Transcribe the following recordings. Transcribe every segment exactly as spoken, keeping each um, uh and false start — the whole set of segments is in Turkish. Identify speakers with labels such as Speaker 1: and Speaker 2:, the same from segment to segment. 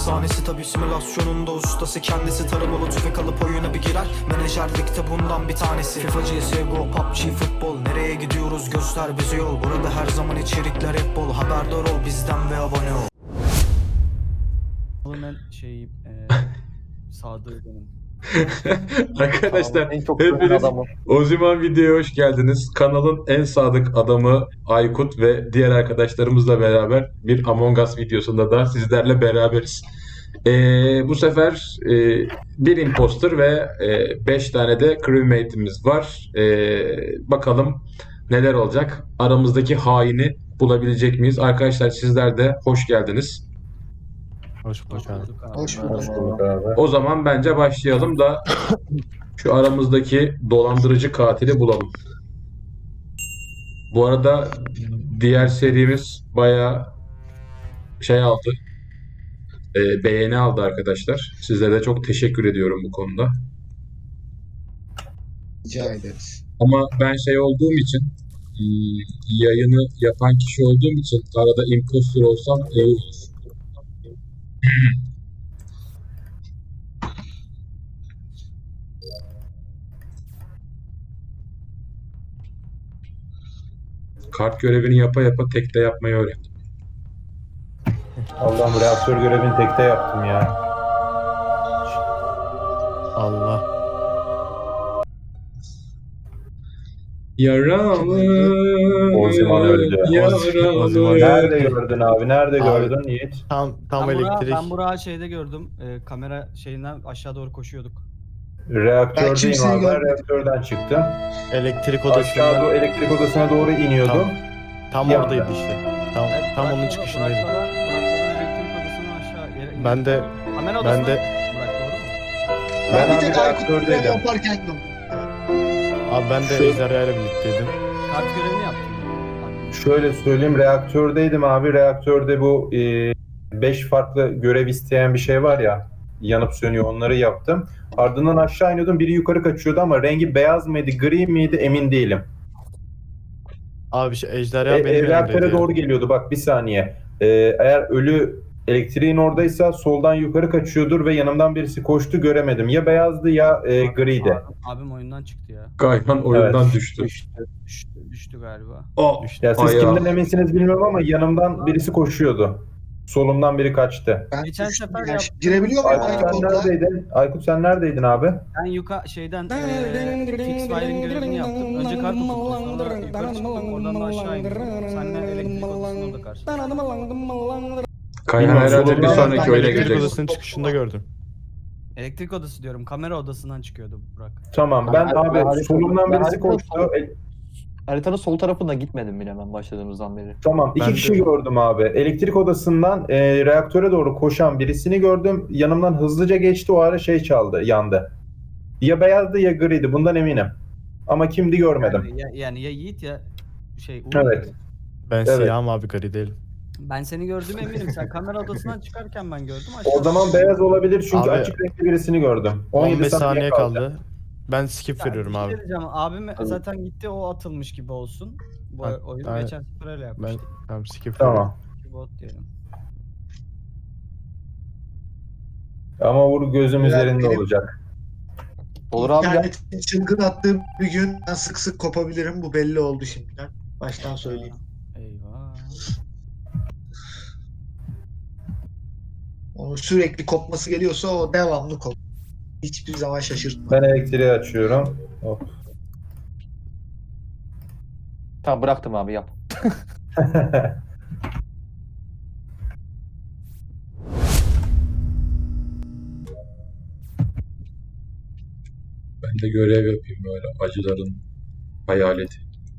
Speaker 1: sahnesi tabi simülasyonunda ustası kendisi. Tarımalı tüfek alıp oyuna bir girer. Menajerlikte bundan bir tanesi. FIFA, C S G O, P U B G, futbol. Nereye gidiyoruz göster bize yol. Burada her zaman içerikler hep bol. Haberdar ol bizden ve abone ol.
Speaker 2: Ben şey e, Sadık benim.
Speaker 3: Arkadaşlar
Speaker 4: En çok güven
Speaker 3: hepiniz
Speaker 4: adamı.
Speaker 3: Oziman videoya hoş geldiniz. Kanalın en sadık adamı Aykut ve diğer arkadaşlarımızla beraber bir Among Us videosunda da sizlerle beraberiz. Ee, bu sefer e, bir imposter ve beş tane de crewmate'imiz var. Ee, bakalım neler olacak? Aramızdaki haini bulabilecek miyiz? Arkadaşlar sizler de hoş geldiniz.
Speaker 5: Hoş bulduk abi.
Speaker 2: Bulduk abi.
Speaker 4: Hoş
Speaker 6: Hoş
Speaker 4: bulduk.
Speaker 6: bulduk abi.
Speaker 3: O zaman bence başlayalım da şu aramızdaki dolandırıcı katili bulalım. Bu arada diğer serimiz bayağı şey aldı. e, beğeni aldı arkadaşlar. Sizlere de çok teşekkür ediyorum bu konuda.
Speaker 4: Rica ederiz.
Speaker 3: Ama ben şey olduğum için hmm, yayını yapan kişi olduğum için arada imposter olsam iyi olur. Kart görevini yapa yapa tekte yapmayı öğrendim.
Speaker 6: Allah'ım reaktör görevini tekte yaptım ya.
Speaker 5: Allah.
Speaker 3: Yaralı.
Speaker 6: Oziman öldü.
Speaker 3: Yaralı.
Speaker 5: Oziman.
Speaker 6: Nerede gördün abi? Nerede
Speaker 5: Abi.
Speaker 6: gördün Yiğit?
Speaker 5: Tam tam
Speaker 2: ben Burak'ı-
Speaker 5: elektrik.
Speaker 2: Ben Burak'ı şeyde gördüm. E, kamera şeyinden aşağı doğru koşuyorduk.
Speaker 4: Ben
Speaker 6: Reaktördeyim
Speaker 4: kimseyi
Speaker 6: abi. Ben
Speaker 4: görmedim.
Speaker 6: reaktörden çıktım.
Speaker 5: Elektrik
Speaker 6: Aşağı
Speaker 5: odasından
Speaker 6: doğru elektrik odasına doğru iniyordum.
Speaker 5: tam
Speaker 6: Ya.
Speaker 5: oradaydı işte. Tam
Speaker 2: Evet,
Speaker 5: tam onun
Speaker 2: Burak'la-
Speaker 5: çıkışındaydı.
Speaker 2: Burak'la ben- Burak'la ben elektrik odasından aşağı yere
Speaker 5: Ben de
Speaker 2: kamera odasına
Speaker 5: ben de
Speaker 2: Burak doğru mu?
Speaker 6: Ben
Speaker 4: Ben,
Speaker 6: abi
Speaker 4: bir tek Aykut'la
Speaker 6: reaktördeydim.
Speaker 4: yaparken gördüm.
Speaker 5: abi ben de
Speaker 6: Şu-
Speaker 5: Ejderha ile birlikteydim.
Speaker 2: Kart görevini yaptım. Abi.
Speaker 6: Şöyle söyleyeyim, reaktördeydim abi. Reaktörde bu beş farklı görev isteyen bir şey var ya, yanıp sönüyor, onları yaptım. Ardından aşağı iniyordum, biri yukarı kaçıyordu ama rengi beyaz mıydı, gri miydi emin değilim.
Speaker 5: Abi şey, Ejderha
Speaker 6: E,
Speaker 5: benim
Speaker 6: e, reaktöre
Speaker 5: yanımdaydı.
Speaker 6: doğru geliyordu, bak bir saniye. E, eğer ölü elektriğin oradaysa soldan yukarı kaçıyordur ve yanımdan birisi koştu, göremedim. Ya beyazdı ya e, griydi.
Speaker 2: Abim oyundan çıktı ya.
Speaker 3: Gayhan oyundan
Speaker 6: Evet.
Speaker 3: düştü.
Speaker 2: Düştü. Düştü, düştü galiba.
Speaker 3: Oh,
Speaker 6: Ya siz
Speaker 3: ayağı.
Speaker 6: kimden eminsiniz bilmiyorum ama yanımdan birisi koşuyordu. Solumdan biri kaçtı.
Speaker 4: Ben
Speaker 2: Geçen
Speaker 4: düştüm
Speaker 2: sefer
Speaker 4: ya.
Speaker 2: yaptım.
Speaker 4: Girebiliyor muyum
Speaker 6: Aykut sen
Speaker 4: Aykut'la?
Speaker 6: neredeydin? Aykut sen neredeydin abi?
Speaker 2: Ben yuka şeyden eee fix wiring görevini yaptım. Önce kart okuttum, sonra yukarı çıktım, oradan da aşağı indim. Seninle elektrik odasının orada karşı.
Speaker 3: Kayhan
Speaker 6: Bilmiyorum,
Speaker 3: herhalde bir
Speaker 6: solundan
Speaker 3: sonraki
Speaker 6: ben
Speaker 3: oyuna
Speaker 5: Elektrik
Speaker 3: girecek.
Speaker 5: odasının çıkışında gördüm.
Speaker 2: Elektrik odası diyorum, kamera odasından çıkıyordu Burak.
Speaker 6: Tamam ben
Speaker 4: Ben-
Speaker 6: abi
Speaker 4: ben-
Speaker 6: solumdan
Speaker 4: ben-
Speaker 6: birisi
Speaker 4: ben-
Speaker 6: koştu. E,
Speaker 4: Haritanın sol tarafına gitmedim bile ben başladığımızdan beri.
Speaker 6: tamam iki
Speaker 5: Ben
Speaker 6: kişi
Speaker 5: de-
Speaker 6: gördüm abi. Elektrik odasından e, reaktöre doğru koşan birisini gördüm. Yanımdan hızlıca geçti, o ara şey çaldı, yandı. Ya beyazdı ya griydi, bundan eminim. Ama kimdi görmedim.
Speaker 2: Yani ya, yani ya Yiğit ya şey Uğur.
Speaker 6: Evet.
Speaker 5: Ben
Speaker 6: Evet.
Speaker 5: siyahım abi, gri değilim.
Speaker 2: Ben seni gördüğüme eminim. Sen kamera odasından çıkarken ben gördüm. Aşağı
Speaker 6: O zaman beyaz olabilir çünkü
Speaker 5: Abi,
Speaker 6: açık renkli birisini gördüm. on yedi
Speaker 5: on beş
Speaker 6: saniye
Speaker 5: saniye
Speaker 6: kaldı.
Speaker 5: kaldı. Ben skip
Speaker 2: Ya,
Speaker 5: veriyorum
Speaker 2: bir şey
Speaker 5: abi.
Speaker 2: diyeceğim. Abim zaten gitti, o atılmış gibi olsun. Bu
Speaker 5: Ben-
Speaker 2: oyunu
Speaker 5: ben-
Speaker 2: geçen sefer öyle
Speaker 5: Ben
Speaker 2: yapmıştık.
Speaker 5: tamam skip veriyorum.
Speaker 6: Tamam.
Speaker 2: Bot diyelim.
Speaker 6: Ama Uğur gözüm
Speaker 4: Evet,
Speaker 6: üzerinde
Speaker 4: benim-
Speaker 6: olacak.
Speaker 4: Olur abi ya. İnternetin çılgın attığım bir gün ben sık sık kopabilirim. Bu belli oldu şimdiden. Baştan söyleyeyim.
Speaker 2: Eyvah.
Speaker 4: Onun sürekli kopması geliyorsa o devamlı kop. Hiçbir zaman şaşırtma.
Speaker 6: Ben elektriği açıyorum. Hop.
Speaker 7: Tamam bıraktım abi yap.
Speaker 3: Ben de görev yapayım böyle acıların hayaleti.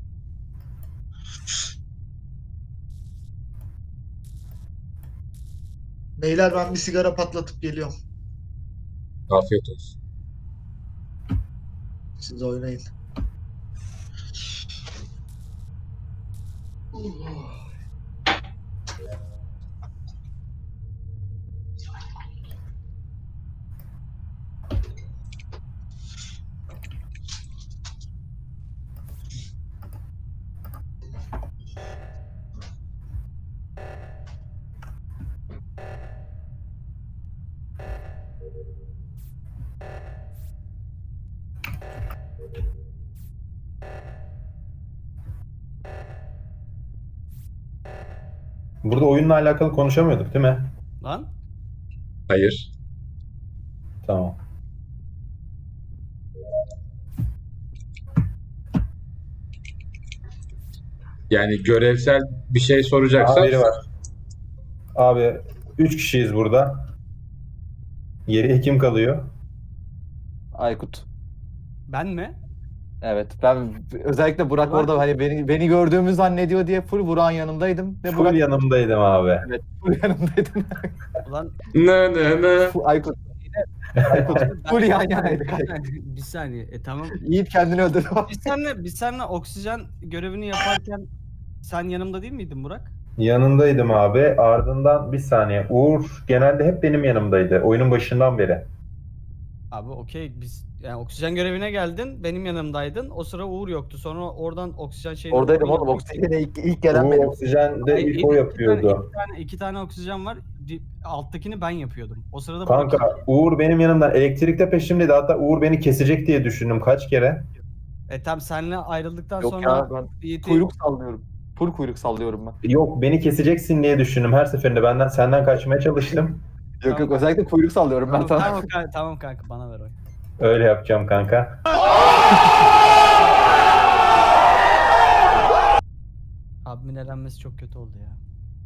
Speaker 4: Beyler ben bir sigara patlatıp geliyorum.
Speaker 3: Afiyet olsun.
Speaker 4: Siz oynayın.
Speaker 6: Burada oyunla alakalı konuşamıyorduk değil mi?
Speaker 2: Lan
Speaker 3: Hayır.
Speaker 6: Tamam.
Speaker 3: Yani görevsel bir şey soracaksak
Speaker 6: Haberi var. Abi üç kişiyiz burada. Geriye kim kalıyor?
Speaker 7: Aykut.
Speaker 2: ben mi?
Speaker 7: Evet. Ben özellikle Burak
Speaker 2: Burak-
Speaker 7: orada hani beni beni gördüğümü zannediyor diye full Burak'ın yanındaydım. Ve
Speaker 6: Full
Speaker 7: Burak
Speaker 6: yanımdaydım abi.
Speaker 7: evet, full yanımdaydım.
Speaker 2: Ulan
Speaker 3: ne ne ne.
Speaker 7: Full- Aykut. Aykut. Full yan yanaydık.
Speaker 2: bir saniye. E tamam.
Speaker 7: Yiğit kendini öldürdü.
Speaker 2: Biz seninle, biz seninle oksijen görevini yaparken sen yanımda değil miydin Burak?
Speaker 6: Yanındaydım abi. Ardından bir saniye. Uğur genelde hep benim yanımdaydı. Oyunun başından beri.
Speaker 2: Abi okey biz yani oksijen görevine geldin benim yanımdaydın o sıra Uğur yoktu sonra oradan oksijen şeyini
Speaker 7: Oradaydım
Speaker 2: doğru
Speaker 7: oğlum.
Speaker 2: yapmak için-
Speaker 7: Oksijene ilk, ilk gelen
Speaker 6: Uğur
Speaker 7: benim.
Speaker 6: oksijende
Speaker 2: Hayır,
Speaker 6: ilk
Speaker 2: iki
Speaker 6: o
Speaker 2: tane-
Speaker 6: yapıyordu.
Speaker 2: iki tane, iki tane oksijen var. Di- Alttakini ben yapıyordum. O sırada
Speaker 6: Kanka
Speaker 2: Burak-
Speaker 6: Uğur benim yanımdan elektrikte peşimdeydi. Hatta Uğur beni kesecek diye düşündüm kaç kere.
Speaker 2: E tam seninle ayrıldıktan
Speaker 7: Yok
Speaker 2: sonra
Speaker 7: ya ben
Speaker 2: Yiğit'i-
Speaker 7: kuyruk sallıyorum. Full kuyruk sallıyorum ben.
Speaker 6: Yok beni keseceksin diye düşündüm. Her seferinde benden senden kaçmaya çalıştım.
Speaker 7: Yok yok özellikle kuyruk sallıyorum ben
Speaker 2: Tamam,
Speaker 7: sana.
Speaker 2: tamam, kanka, tamam kanka bana ver oy.
Speaker 6: Öyle yapacağım kanka.
Speaker 2: Abimin elenmesi çok kötü oldu ya.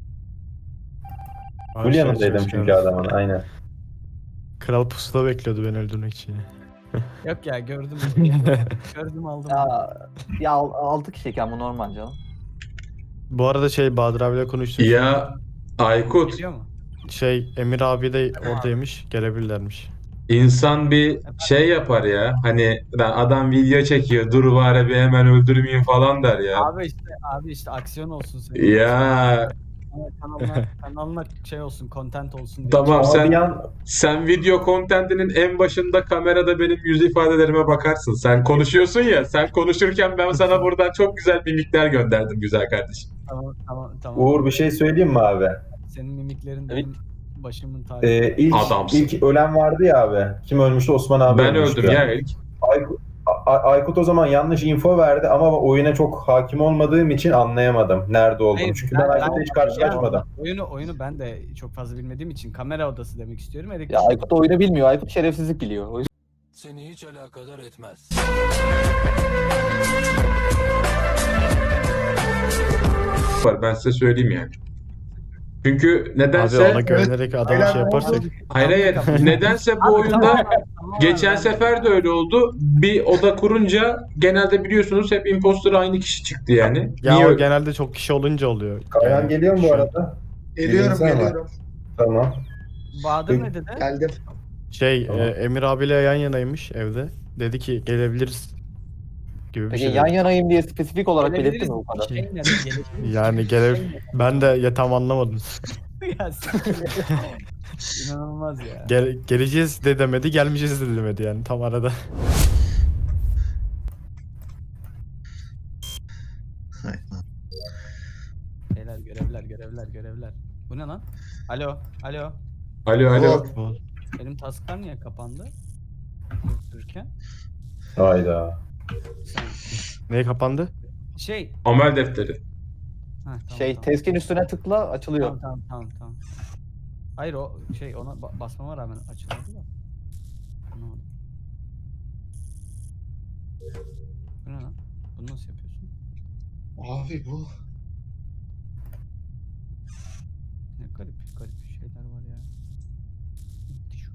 Speaker 5: Abi
Speaker 6: Full
Speaker 5: şey
Speaker 6: yanındaydım
Speaker 5: çok
Speaker 6: çünkü
Speaker 5: şey-
Speaker 6: adamın aynen.
Speaker 5: Kral pusuda bekliyordu beni öldürmek için.
Speaker 2: Yok ya gördüm. gördüm aldım.
Speaker 7: Ya, ya altı kişiyken bu normal canım.
Speaker 5: Bu arada şey Bahadır abiyle konuştuk.
Speaker 3: Ya Aykut,
Speaker 2: Geliyor mu?
Speaker 5: Şey Emir abi de oradaymış. Gelebilirlermiş.
Speaker 3: insan bir şey yapar ya. Hani lan adam video çekiyor. Dur bari bir hemen öldürmeyeyim falan der ya.
Speaker 2: Abi işte abi işte aksiyon olsun senin.
Speaker 3: Ya
Speaker 2: Kanalına, kanalına şey olsun, content olsun diye.
Speaker 3: tamam
Speaker 6: Ama bir
Speaker 3: sen
Speaker 6: an
Speaker 3: sen video kontentinin en başında kamerada benim yüz ifadelerime bakarsın. Sen konuşuyorsun ya. Sen konuşurken ben sana buradan çok güzel mimikler gönderdim güzel kardeşim.
Speaker 2: Tamam tamam tamam.
Speaker 6: Uğur bir şey söyleyeyim mi abi?
Speaker 2: Senin mimiklerin
Speaker 7: Evet.
Speaker 2: benim başımın tacı.
Speaker 6: Ee, ilk,
Speaker 3: Adamsın.
Speaker 6: ilk ölen vardı ya abi. Kim ölmüştü? Osman abi
Speaker 3: Ben
Speaker 6: ölmüştü.
Speaker 3: öldüm ya ilk.
Speaker 6: Aykut, A- Aykut o zaman yanlış info verdi ama oyuna çok hakim olmadığım için anlayamadım nerede olduğumu.
Speaker 2: Hayır,
Speaker 6: Çünkü ben Aykut'la hiç karşılaşmadım.
Speaker 2: Oyunu oyunu ben de çok fazla bilmediğim için kamera odası demek istiyorum. Elektrik.
Speaker 7: Ya Aykut oyunu bilmiyor. Aykut şerefsizlik biliyor. O yüzden
Speaker 8: Seni hiç alakadar etmez.
Speaker 3: Var ben size söyleyeyim yani. Çünkü
Speaker 5: Abi
Speaker 3: nedense
Speaker 5: ona güvenerek adama şey yaparsak.
Speaker 3: hayır hayır nedense bu
Speaker 2: Abi,
Speaker 3: oyunda
Speaker 2: tamam, tamam,
Speaker 3: geçen
Speaker 2: ben-
Speaker 3: sefer de öyle oldu. Bir oda kurunca genelde biliyorsunuz hep imposter aynı kişi çıktı yani.
Speaker 5: Ya
Speaker 3: Niye
Speaker 5: o
Speaker 3: öyle?
Speaker 5: genelde çok kişi olunca oluyor.
Speaker 6: Kayan
Speaker 5: Yani
Speaker 6: geliyor mu bu
Speaker 5: şu-
Speaker 6: arada?
Speaker 4: Geliyorum
Speaker 6: Bilgisayar var.
Speaker 4: geliyorum.
Speaker 6: Tamam.
Speaker 2: Bahadır ne dedi?
Speaker 4: Geldim.
Speaker 5: Şey
Speaker 6: Tamam.
Speaker 5: e, Emir abiyle yan yanaymış evde. Dedi ki gelebiliriz gibi bir
Speaker 7: peki
Speaker 5: şey
Speaker 7: yan
Speaker 5: dedi.
Speaker 7: yanayım diye spesifik olarak
Speaker 2: Gelebiliriz.
Speaker 7: belirtti mi bu kadar?
Speaker 2: Şey ne dedi? Gelebiliriz.
Speaker 5: Yani gele ben de ya tam anlamadım.
Speaker 2: Ya siktir. İnanılmaz ya.
Speaker 5: Gel, geleceğiz de demedi, gelmeyeceğiz de demedi yani tam arada.
Speaker 2: Şeyler, görevler, görevler, görevler. Bu ne lan? Alo, alo.
Speaker 3: Alo alo.
Speaker 2: Benim tasklar niye kapandı? Dururken.
Speaker 6: Hayda.
Speaker 2: Sen...
Speaker 5: Neye kapandı?
Speaker 2: Şey.
Speaker 3: Amel defteri.
Speaker 2: Ha, tamam,
Speaker 7: Şey
Speaker 2: tamam.
Speaker 7: teskin üstüne tıkla açılıyor.
Speaker 2: Tamam tamam tamam tamam. Hayır o şey ona ba- basmama rağmen açılmadı da. Anlamadım. Bu ne lan? Bunu nasıl yapıyorsun?
Speaker 4: Abi bu.
Speaker 2: Ne garip garip şeyler var ya. Şu-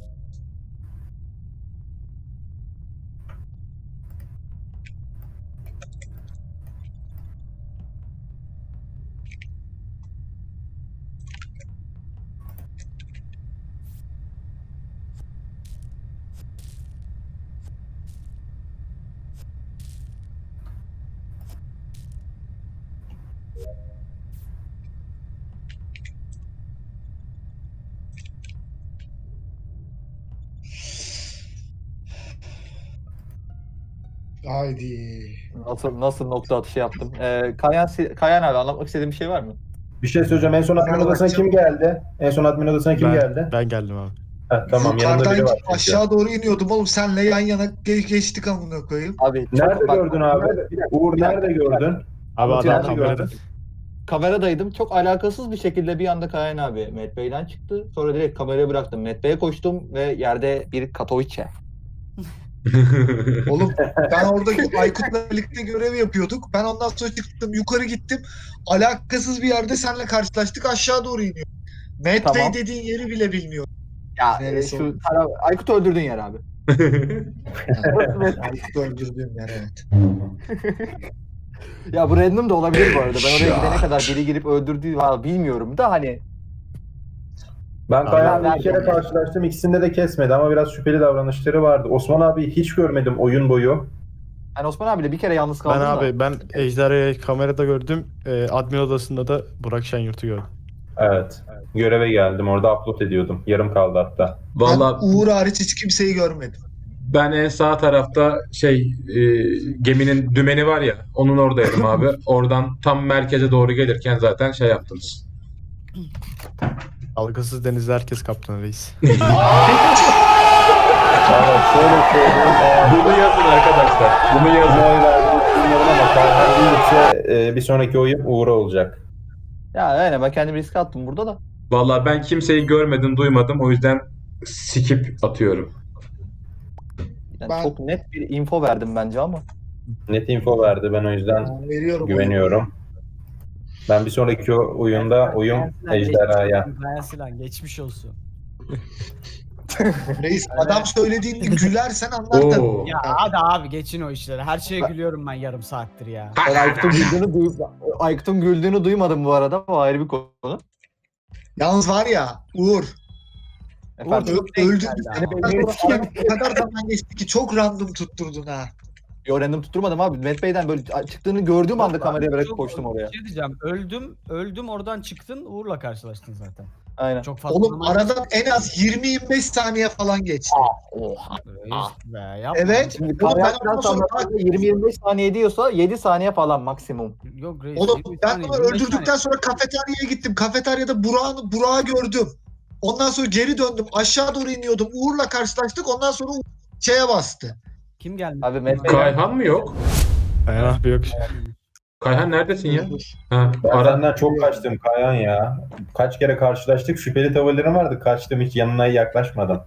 Speaker 4: Haydi.
Speaker 7: Nasıl nasıl nokta atışı yaptım. Ee, Kayan, Kayan abi anlatmak istediğin bir şey var mı?
Speaker 6: Bir şey söyleyeceğim. En son admin
Speaker 4: Ben
Speaker 6: odasına
Speaker 4: bakacağım.
Speaker 6: kim geldi? En son admin odasına kim
Speaker 5: ben,
Speaker 6: geldi?
Speaker 5: Ben geldim abi.
Speaker 6: Heh, tamam yanımda
Speaker 4: Yukarıdan
Speaker 6: biri var. çünkü.
Speaker 4: aşağı doğru iniyordum oğlum. Senle yan yana ge- geçtik amına koyayım.
Speaker 7: Abi çok
Speaker 6: Nerede
Speaker 7: bak-
Speaker 6: gördün abi?
Speaker 7: Bir dakika,
Speaker 6: Uğur
Speaker 7: bir dakika,
Speaker 6: nerede
Speaker 7: bir dakika.
Speaker 6: gördün?
Speaker 5: Abi
Speaker 7: Anlatıyorum,
Speaker 5: adam
Speaker 7: anlatıyorum.
Speaker 5: kamerada.
Speaker 7: Kameradaydım. Çok alakasız bir şekilde bir anda Kayan abi Met Bey'den çıktı. Sonra direkt kamerayı bıraktım. Met Bey'e koştum ve yerde bir Katowice.
Speaker 4: Oğlum ben orada Aykut'la birlikte görev yapıyorduk. Ben ondan sonra çıktım yukarı gittim. Alakasız bir yerde seninle karşılaştık, aşağı doğru iniyor. Matt
Speaker 7: Tamam.
Speaker 4: Bey dediğin yeri bile bilmiyorum.
Speaker 7: Ya
Speaker 4: Neresi
Speaker 7: e, şu
Speaker 4: oldu?
Speaker 7: tara- Aykut'u öldürdün yer abi.
Speaker 4: Aykut'u öldürdüğüm yer, evet.
Speaker 7: Ya bu random da olabilir bu arada. Ben oraya gidene kadar biri girip öldürdüğü var bilmiyorum da hani.
Speaker 6: Ben Kayahan'la
Speaker 7: Abi,
Speaker 6: bir kere
Speaker 7: abi.
Speaker 6: karşılaştım. İkisinde de kesmedi ama biraz şüpheli davranışları vardı. Osman abi hiç görmedim oyun boyu.
Speaker 7: Ben Osman abiyle bir kere yalnız
Speaker 5: Ben
Speaker 7: kaldım da.
Speaker 5: abi ben Ejderha'yı kamerada gördüm. E, admin odasında da Burak Şenyurt'u gördüm.
Speaker 6: Evet. Göreve geldim. Orada upload ediyordum. Yarım kaldı hatta.
Speaker 3: Valla
Speaker 4: Ben Uğur hariç hiç kimseyi görmedim.
Speaker 3: ben en sağ tarafta şey e, geminin dümeni var ya onun oradaydım abi. Oradan tam merkeze doğru gelirken zaten şey yaptınız.
Speaker 5: Dalgasız denizde herkes kaptan reis.
Speaker 6: Valla şöyle söyleyeyim. Eğer
Speaker 3: Bunu yazın arkadaşlar. Bunu
Speaker 6: bu
Speaker 3: yazın.
Speaker 6: oy verdiğini bilmiyorum ama Kayhan değilse e, bir sonraki oyun Uğur'a olacak.
Speaker 7: Ya aynen ben kendimi riske attım burada da.
Speaker 3: Valla ben kimseyi görmedim, duymadım. O yüzden skip atıyorum.
Speaker 7: Yani
Speaker 4: Ben-
Speaker 7: çok net bir info verdim bence ama.
Speaker 6: Net info verdi. Ben o yüzden
Speaker 4: Ben veriyorum.
Speaker 6: güveniyorum. Ben bir sonraki oyunda oyun Ejderha'ya.
Speaker 2: Silan geçmiş olsun.
Speaker 4: Reis adam söylediğinde gülersen anlar tabii.
Speaker 3: Oo.
Speaker 2: Ya hadi abi geçin o işleri. Her şeye gülüyorum ben yarım saattir ya.
Speaker 7: Ben Aykut'un güldüğünü, duy Aykut'un güldüğünü duymadım bu arada. O ayrı bir konu.
Speaker 4: Yalnız var ya Uğur,
Speaker 7: Efendim,
Speaker 4: ö- öldürdük
Speaker 2: geldi
Speaker 4: seni.
Speaker 2: ama.
Speaker 4: Ben sonra aradan o kadar zaman geçti ki çok random tutturdun ha.
Speaker 7: yo random tutturmadım abi. Met Bey'den böyle çıktığını gördüğüm anda kameraya bırakıp
Speaker 2: Çok-
Speaker 7: koştum oraya.
Speaker 2: Bir şey diyeceğim. Öldüm. Öldüm oradan çıktın. Uğur'la karşılaştın zaten.
Speaker 7: Aynen.
Speaker 2: Çok fazla
Speaker 4: Oğlum
Speaker 2: zaman-
Speaker 4: aradan en az yirmi yirmi beş saniye falan geçti.
Speaker 7: Oha.
Speaker 2: Reis be, yapma.
Speaker 4: Evet.
Speaker 7: Şimdi
Speaker 4: Oğlum ben
Speaker 7: Kayan
Speaker 4: ondan sonra
Speaker 7: yirmi yirmi beş saniye diyorsa yedi saniye falan maksimum.
Speaker 2: Yok reis.
Speaker 4: Oğlum
Speaker 2: yirmi
Speaker 4: ben
Speaker 2: saniye,
Speaker 4: bunu
Speaker 2: yirmi beş
Speaker 4: öldürdükten
Speaker 2: saniye.
Speaker 4: sonra kafeteryaya gittim. Kafeteryada Burak'ı Burak'ı gördüm. Ondan sonra geri döndüm. Aşağı doğru iniyordum. Uğur'la karşılaştık. Ondan sonra Uğur şeye bastı.
Speaker 2: Kim geldi?
Speaker 7: Abi Met Bey
Speaker 3: Kayhan mı yok?
Speaker 5: Aynen abi yok.
Speaker 3: Kayhan neredesin ya? Ha,
Speaker 6: Ben
Speaker 3: ara.
Speaker 6: senden çok kaçtım Kayan ya. Kaç kere karşılaştık. Şüpheli tavırlarım vardı. Kaçtım hiç yanına yaklaşmadan.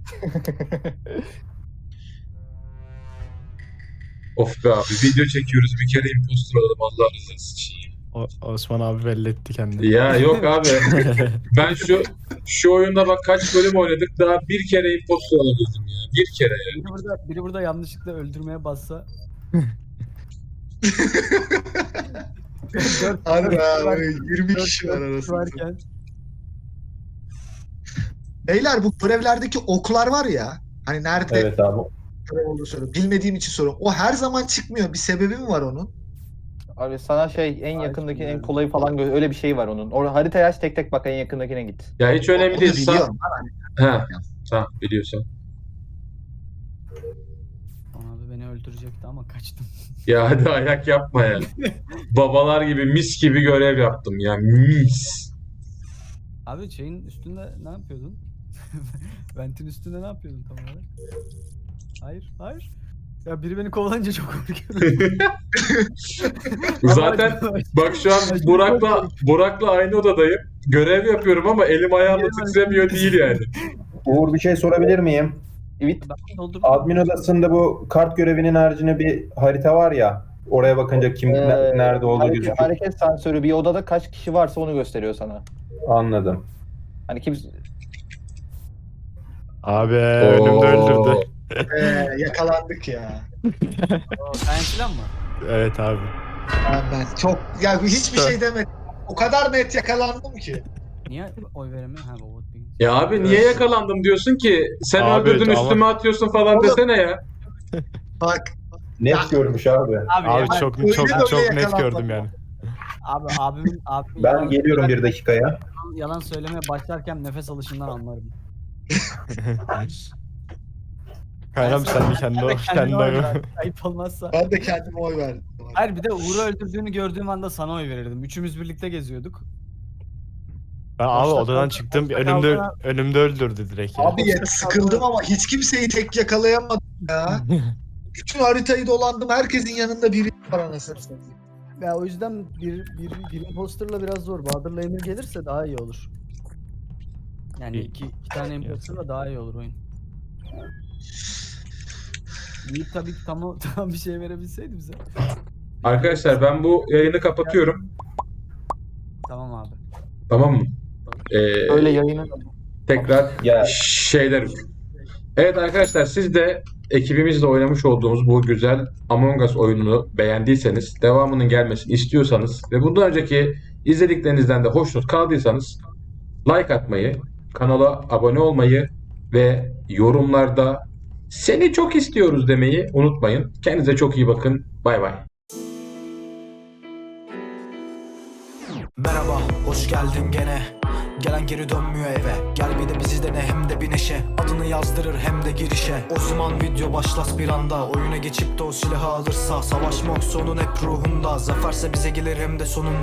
Speaker 3: Of be abi video çekiyoruz bir kere impostor olalım Allah rızası için.
Speaker 5: O, Osman abi belli etti kendini.
Speaker 3: Ya yok abi ben şu şu oyunda bak kaç bölüm oynadık daha bir kere impostor olabildim ya. Bir kere ya.
Speaker 2: Biri burada, biri burada yanlışlıkla öldürmeye bassa. Dört-
Speaker 4: Harbi
Speaker 2: dört-
Speaker 4: abi yirmi
Speaker 2: dört-
Speaker 4: kişi var
Speaker 2: dört
Speaker 4: arasında.
Speaker 2: varken.
Speaker 4: Beyler bu görevlerdeki oklar var ya. Hani nerede
Speaker 6: Evet abi.
Speaker 4: görev olduğunu soruyorum. Bilmediğim için soruyorum. O her zaman çıkmıyor. Bir sebebi mi var onun?
Speaker 7: Abi sana şey en
Speaker 2: Ay,
Speaker 7: yakındaki en
Speaker 2: yani.
Speaker 7: kolayı falan gö- öyle bir şey var onun. Orada haritaya aç tek tek bak en yakındakine git.
Speaker 3: Ya hiç önemli
Speaker 4: Onu
Speaker 3: değil. Sa-
Speaker 4: biliyorum.
Speaker 3: ha, tamam biliyorsun.
Speaker 2: Abi beni öldürecekti ama kaçtım.
Speaker 3: Ya hadi ayak yapma ya. Babalar gibi mis gibi görev yaptım ya mis.
Speaker 2: Abi şeyin üstünde ne yapıyordun? Ventin üstünde ne yapıyordun tam olarak? Hayır, hayır. Ya biri beni kovalayınca çok korkuyorum.
Speaker 3: Zaten bak şu an Burak'la Burak'la aynı odadayım. Görev yapıyorum ama elim ayağım titremiyor değil yani.
Speaker 6: Uğur bir şey sorabilir miyim?
Speaker 7: Evet.
Speaker 2: Ben doldurdum.
Speaker 6: Admin odasında bu kart görevinin haricinde bir harita var ya. Oraya bakınca kim ne-
Speaker 7: Ee,
Speaker 6: nerede olduğu
Speaker 7: hareket,
Speaker 6: gözüküyor.
Speaker 7: hareket sensörü bir odada kaç kişi varsa onu gösteriyor sana.
Speaker 6: Anladım.
Speaker 7: Hani kimse
Speaker 5: Abi önümde öldürdü.
Speaker 4: Ee, yakalandık ya.
Speaker 2: O, sen filan mı?
Speaker 5: Evet abi.
Speaker 4: Ben, ben çok ya hiçbir şey demedim. O kadar net yakalandım ki.
Speaker 2: Niye oy veremiyor? Ha bu vote being.
Speaker 3: Ya abi niye yakalandım diyorsun ki? Sen
Speaker 5: Abi,
Speaker 3: öldürdün
Speaker 5: ama-
Speaker 3: üstüme atıyorsun falan
Speaker 4: Oğlum.
Speaker 3: desene ya.
Speaker 4: Bak
Speaker 6: Net
Speaker 4: Ya-
Speaker 6: görmüş abi.
Speaker 2: Abi,
Speaker 5: Abi
Speaker 2: ya,
Speaker 5: çok
Speaker 4: öyle
Speaker 5: çok
Speaker 4: böyle
Speaker 5: çok net
Speaker 4: yakalanmadım.
Speaker 5: gördüm yani.
Speaker 2: abi abimin, abimin
Speaker 6: Ben
Speaker 2: yalan,
Speaker 6: geliyorum bir dakikaya.
Speaker 2: yalan söylemeye başlarken nefes alışından anlarım.
Speaker 5: Kaynam sen de kendine
Speaker 2: Ben de kendime oy
Speaker 5: kendine.
Speaker 2: verdim. Ayıp olmazsa.
Speaker 4: ben de kendime oy verdim.
Speaker 2: Hayır bir de Uğur'u öldürdüğünü gördüğüm anda sana oy verirdim. Üçümüz birlikte geziyorduk.
Speaker 5: Ben abi
Speaker 2: Boşta
Speaker 5: odadan
Speaker 2: kaldı-
Speaker 5: çıktım.
Speaker 2: boşta
Speaker 5: Önümde
Speaker 2: kaldı.
Speaker 5: önümde öldürdü direkt ya.
Speaker 4: Abi yet sıkıldım ama hiç kimseyi tek yakalayamadım ya. Bütün haritayı dolandım. Herkesin yanında biri var anasını satayım.
Speaker 2: Ya o yüzden bir, bir, bir imposterla biraz zor. Bahadır'la Emir gelirse daha iyi olur. Yani
Speaker 5: İyi.
Speaker 2: iki, iki tane imposterla daha iyi olur oyun. Yiğit tabii ki tam, tam bir şey verebilseydi bize.
Speaker 3: Arkadaşlar ben bu yayını kapatıyorum.
Speaker 2: Tamam abi.
Speaker 3: Tamam mı? Ee,
Speaker 7: Öyle yayını
Speaker 3: tekrar
Speaker 6: Ya
Speaker 3: şeyler. Evet arkadaşlar siz de ekibimizle oynamış olduğumuz bu güzel Among Us oyununu beğendiyseniz, devamının gelmesini istiyorsanız ve bundan önceki izlediklerinizden de hoşnut kaldıysanız like atmayı, kanala abone olmayı ve yorumlarda seni çok istiyoruz demeyi unutmayın. Kendinize çok iyi bakın. Bay bay.
Speaker 1: Merhaba, hoş geldin gene. Gelen geri dönmüyor eve. Gel bir de bizi dene hem de bir neşe. Adını yazdırır hem de girişe. O zaman video başlas bir anda. Oyuna geçip de o silahı alırsa. Savaşmak sonun hep ruhunda. Zaferse bize gelir hem de sonunda.